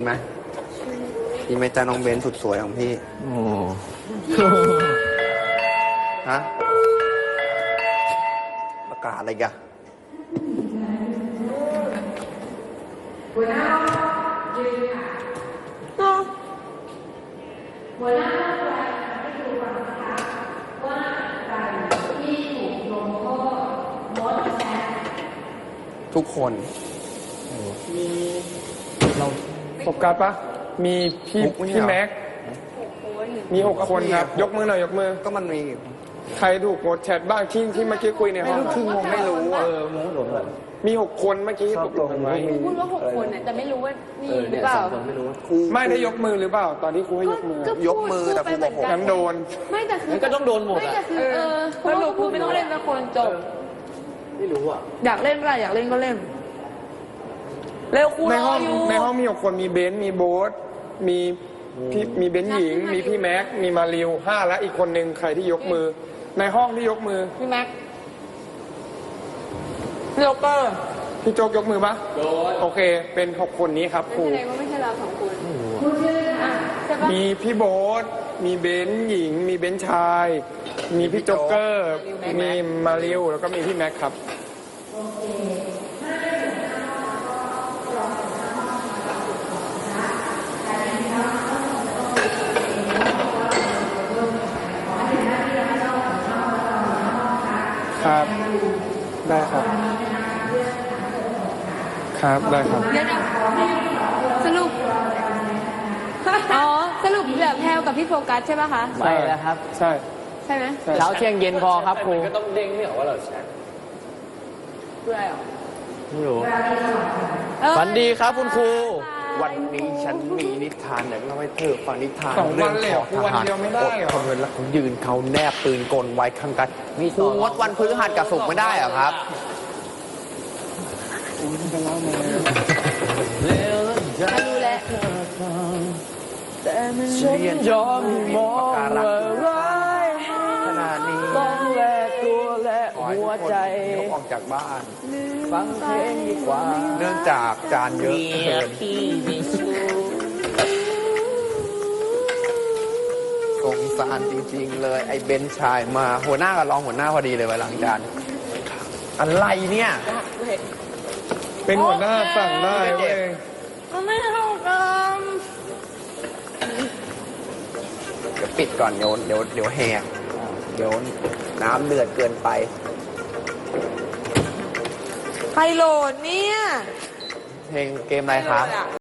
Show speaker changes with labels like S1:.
S1: ไหมดีไหมจ้าน้องเบนสุดสวยของพี่โอ้ฮะประกาศอะไรกันหัวหน้ายืนค่ะหัวหน้าให้ดูก่อนนะคะว่าใครที่ถูกลงโทษมดแชททุกคน
S2: มีเราโฟกัสปะมีพี่แม็กมี6 คนครับยกมือหน่อยยกมือ
S1: ก็มันมี
S2: ใครถูกโพสแชทบ้างที่เมื่อกี้คุยในห้อง
S1: คืองงไม่รู้
S2: งงหลงมี6 คนเมื่อกี้ตกลงกันไว้
S3: พูดว่า6 คนแต่ไม่รู้ว่านี่หรือเปล่า
S2: ไม่ได้ยกมือหรือเปล่าตอนที่ครูให้ยกมือย
S1: กมือแต่ครูบอก6
S2: งั้นโดน
S3: ไม่แต่คือ
S4: ก็ต้องโดนหมดอ่ะ
S3: เพราะครูไม่ต้องเล่นละคนจบ
S4: ไม่รู้อ่ะ
S3: อยากเล่นอะไรอยากเล่นก็เล่นเร็วครู
S2: ในห้องมี6 คนมีเบนซ์มีโบ๊ทมีเบนซ์หญิงมีพี่แม็กมีมาริว5และอีกคนนึงใครที่ยกมือในห้องที่ยกมือ
S3: พี่แม็กพี่โจ๊กเกอร์
S2: พี่โจ๊กยกมือปะโอเคเป็น6 คนนี้ครับครู
S3: ไม่ใช่เรา2 คน
S2: มีพี่โบ๊ทมีเบนซ์หญิงมีเบนซ์ชายมีพี่โจ๊กเกอร์มีมาริวแล้วก็มีพี่แม็กครับครับได้ครับครับได้ครับ
S3: สรุปอ๋อสรุปแบบแพลวกับพี่โฟกัสใช่ป่ะคะ
S4: ใช่แล้วครับ
S2: ใช่
S3: ใช่ไหม
S4: เช้าเที่ยงเย็นพอครับครูก็ต้องเด้งไม่ออกว่าเราแชท
S3: เพื่ออะไรหรอ
S4: ไม่รู้ฝันดีครับคุณครู
S1: วันนี้ฉันมีนิทานอยากเล่าให้เธอฟังนิทาน
S2: เรื่องของทหาร
S1: คนเวลาเขายืนเขาแนบปืนกลไว้ข้างกันครูงดวันพฤหัสกับศุกร์ไม่ได้เหรอครับ
S3: ไม่รู้แหละ
S4: แต่มันยอมมองว่าร้าย
S1: ขนาดนี้
S4: ต้องแลกตัวและหัวใจ
S1: ออกจากบ้าน
S4: ฟังเพลงดีกว่า
S1: เนื่องจากจานเยอะเกินสงสารจริงๆเลยไอ้เบนชายมาหัวหน้ากับรองหัวหน้าพอดีเลยไว้หลังจานอะไรเนี่ย
S2: เป็นหัวหน้าสั่งได้เว้ย
S3: ไม่เท่ากัน
S1: เดี๋ยวปิดก่อนเดี๋ยวแหกเดี๋ยวน้ำเดือดเกินไป
S3: ใครโหลดเนี่ย
S1: เพลงเกมอะไรครับ